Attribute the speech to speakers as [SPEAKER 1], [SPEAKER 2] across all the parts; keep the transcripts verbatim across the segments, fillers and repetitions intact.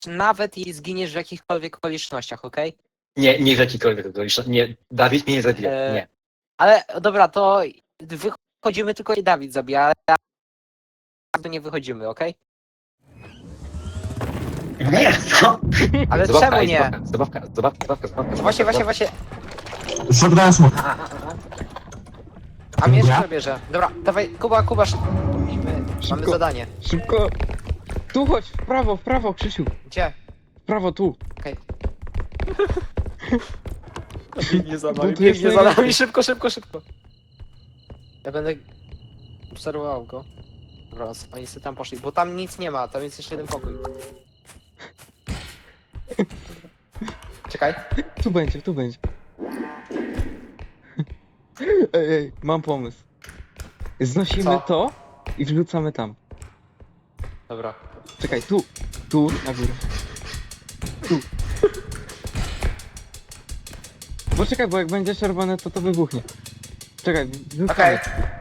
[SPEAKER 1] nawet jeśli zginiesz w jakichkolwiek okolicznościach, okej?
[SPEAKER 2] Nie, nie w jakikolwiek okoliczności. Nie, Dawid mnie nie zabije.
[SPEAKER 1] Eee,
[SPEAKER 2] Nie.
[SPEAKER 1] Ale dobra, to wychodzimy tylko i Dawid zabija, ale to nie wychodzimy, okej?
[SPEAKER 2] Nie, co?
[SPEAKER 1] Ale
[SPEAKER 2] Zabawka,
[SPEAKER 1] czemu
[SPEAKER 2] ej,
[SPEAKER 1] nie?
[SPEAKER 2] Zabawka, zabawka, zabawka, zabawka, zabawka.
[SPEAKER 1] Właśnie, właśnie, właśnie.
[SPEAKER 3] Zabrałem smok.
[SPEAKER 2] A, a, a.
[SPEAKER 1] A mnie
[SPEAKER 3] Dobra.
[SPEAKER 1] jeszcze bierze. Dobra, dawaj, Kuba, Kuba, szybko. Musimy, mamy
[SPEAKER 4] Szybko.
[SPEAKER 1] zadanie.
[SPEAKER 4] Szybko! Tu chodź, w prawo, w prawo, Krzysiu!
[SPEAKER 1] Gdzie?
[SPEAKER 4] W prawo, tu!
[SPEAKER 1] Okej. Biegnie za
[SPEAKER 4] nami, tu jest biegnie za najlepiej. nami,
[SPEAKER 1] szybko, szybko, szybko. Ja będę obserwował go. Dobra, oni sobie tam poszli, bo tam nic nie ma, tam jest jeszcze jeden pokój. Czekaj.
[SPEAKER 4] Tu będzie, tu będzie. Ej, ej, mam pomysł. Znosimy
[SPEAKER 1] Co?
[SPEAKER 4] to i wrzucamy tam.
[SPEAKER 1] Dobra.
[SPEAKER 4] Czekaj, tu, tu, na górę. Tu. Bo czekaj, bo jak będzie czerwone, to to wybuchnie. Czekaj, wrzucamy.
[SPEAKER 1] Okej.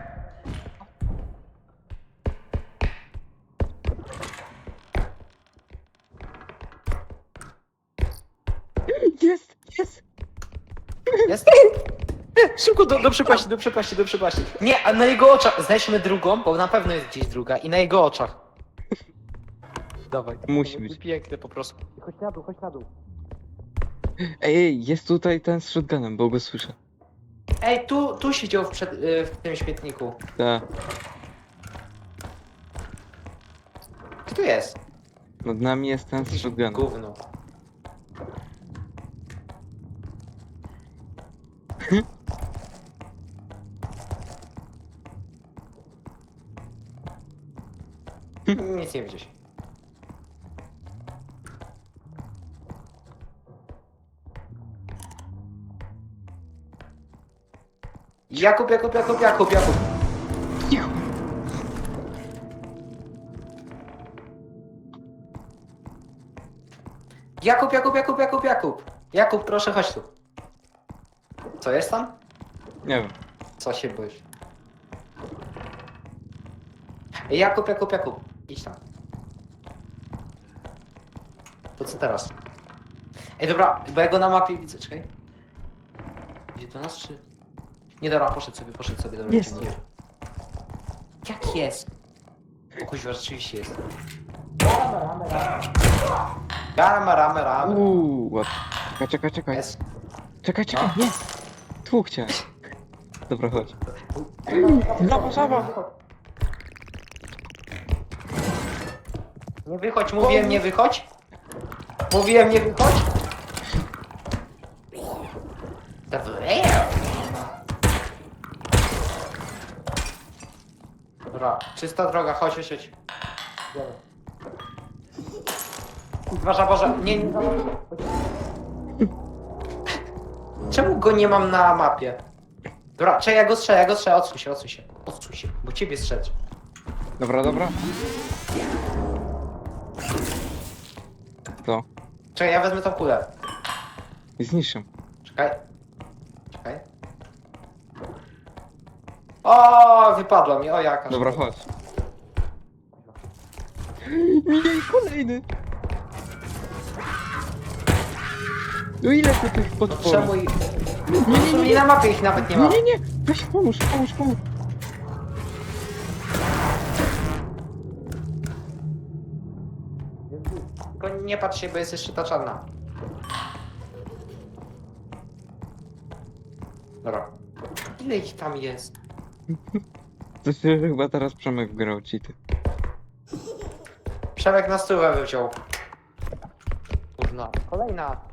[SPEAKER 4] Jest, jest!
[SPEAKER 1] Jest? Szybko do, do przepaści, do przepaści, do przepaści. Nie, a na jego oczach. Znajdźmy drugą, bo na pewno jest gdzieś druga. I na jego oczach. Dawaj.
[SPEAKER 4] Musi
[SPEAKER 1] To
[SPEAKER 4] być.
[SPEAKER 1] piękne po prostu. Chodź na dół, chodź na dół.
[SPEAKER 4] Ej, ej, jest tutaj ten z shotgunem, bo go słyszę.
[SPEAKER 1] Ej, tu, tu siedział w, przed, y, w tym śmietniku.
[SPEAKER 4] Tak,
[SPEAKER 1] Gdzie tu jest?
[SPEAKER 4] nad nami jest ten z shotgunem.
[SPEAKER 1] Gówno. Nic nie widzisz. Jakub, Jakub, Jakub, Jakub, Jakub.
[SPEAKER 4] Cicho.
[SPEAKER 1] Jakub, Jakub, Jakub, Jakub, Jakub. Jakub, proszę chodź tu. Co jest tam?
[SPEAKER 4] Nie wiem.
[SPEAKER 1] Co się boisz? Ej, Jakub, Jakub, Jakub. Idź tam. To co teraz? Ej, dobra, bo ja go na mapie widzę, czekaj. Idzie do nas, czy... Nie, dobra, poszedł sobie, poszedł sobie, dobra.
[SPEAKER 4] Jest.
[SPEAKER 1] Nie. Jak jest? O kuźwa, rzeczywiście jest. Ramy, ramy, ramy.
[SPEAKER 4] Uuu, łap. Czekaj, czekaj, czekaj.
[SPEAKER 1] Jest.
[SPEAKER 4] Czekaj, czekaj,
[SPEAKER 1] No.
[SPEAKER 4] nie! Tu chciałem. Dobra, chodź. Żaba, żaba!
[SPEAKER 1] Nie wychodź, mówiłem nie wychodź. Mówiłem nie wychodź. Dobra, czysta droga, chodź, chodź, chodź. Dobra. Uważa, Boże, nie, nie. Czemu go nie mam na mapie? Dobra, czekaj, ja go strzelę, ja go strzelę, odsuń się, odsuń się. Odsuń się, bo ciebie strzelać.
[SPEAKER 4] Dobra, dobra. To.
[SPEAKER 1] Czekaj, ja wezmę tą kulę.
[SPEAKER 4] I zniszczę.
[SPEAKER 1] Czekaj. Czekaj. O, wypadła mi, o jaka.
[SPEAKER 4] Dobra,
[SPEAKER 1] szkoda.
[SPEAKER 4] chodź. Nie, kolejny! No ile tu tych
[SPEAKER 1] No
[SPEAKER 4] potworów?
[SPEAKER 1] czemu i...
[SPEAKER 4] Nie, nie, nie,
[SPEAKER 1] I
[SPEAKER 4] nie,
[SPEAKER 1] na mapie ich nawet nie ma.
[SPEAKER 4] nie, nie, nie! Weź pomóż, pomóż, pomóż!
[SPEAKER 1] Tylko nie patrz się, bo jest jeszcze ta czarna. Dobra. Ile ich tam jest?
[SPEAKER 4] To się chyba teraz Przemek grał cheaty.
[SPEAKER 1] Przemek na stówę wziął. Kurna. Kolejna.